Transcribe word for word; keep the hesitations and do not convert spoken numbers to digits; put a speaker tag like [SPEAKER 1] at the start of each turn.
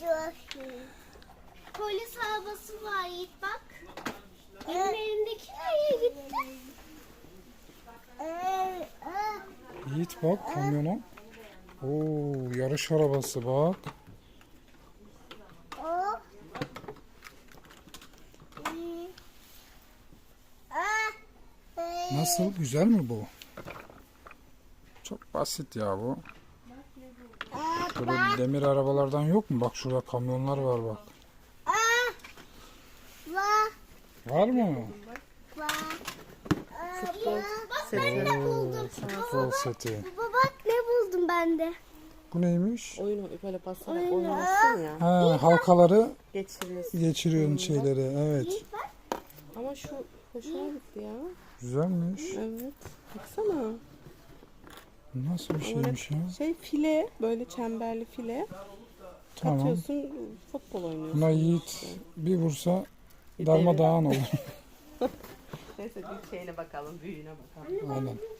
[SPEAKER 1] Polis arabası var Yiğit bak. Benim elimdeki nereye gitti?
[SPEAKER 2] Yiğit bak kamyona. Oo, yarış arabası bak. Nasıl? Güzel mi bu? Çok basit ya bu. Böyle demir arabalardan yok mu? Bak şurada kamyonlar var bak.
[SPEAKER 1] Var.
[SPEAKER 2] Var mı?
[SPEAKER 1] Var.
[SPEAKER 3] Futbol
[SPEAKER 1] Bak
[SPEAKER 3] seti.
[SPEAKER 1] ben de buldum.
[SPEAKER 2] Futbol seti.
[SPEAKER 1] Baba bak ne buldum ben de.
[SPEAKER 2] Bu neymiş?
[SPEAKER 3] Oyun böyle basarak oynarsın ya.
[SPEAKER 2] Ha, halkaları
[SPEAKER 3] Geçiriyorsun.
[SPEAKER 2] geçiriyorsun şeyleri. Evet.
[SPEAKER 3] Ama şu hoşuma gitti ya.
[SPEAKER 2] Güzelmiş.
[SPEAKER 3] Evet. Baksana.
[SPEAKER 2] Nasıl bir şeymiş ya?
[SPEAKER 3] Şey file, böyle çemberli file.
[SPEAKER 2] Tamam.
[SPEAKER 3] Atıyorsun, futbol oynuyorsun.
[SPEAKER 2] Buna Yiğit bir vursa darmadağın olur.
[SPEAKER 3] Neyse bir şeyine bakalım, büyüğüne bakalım.
[SPEAKER 2] Aynen.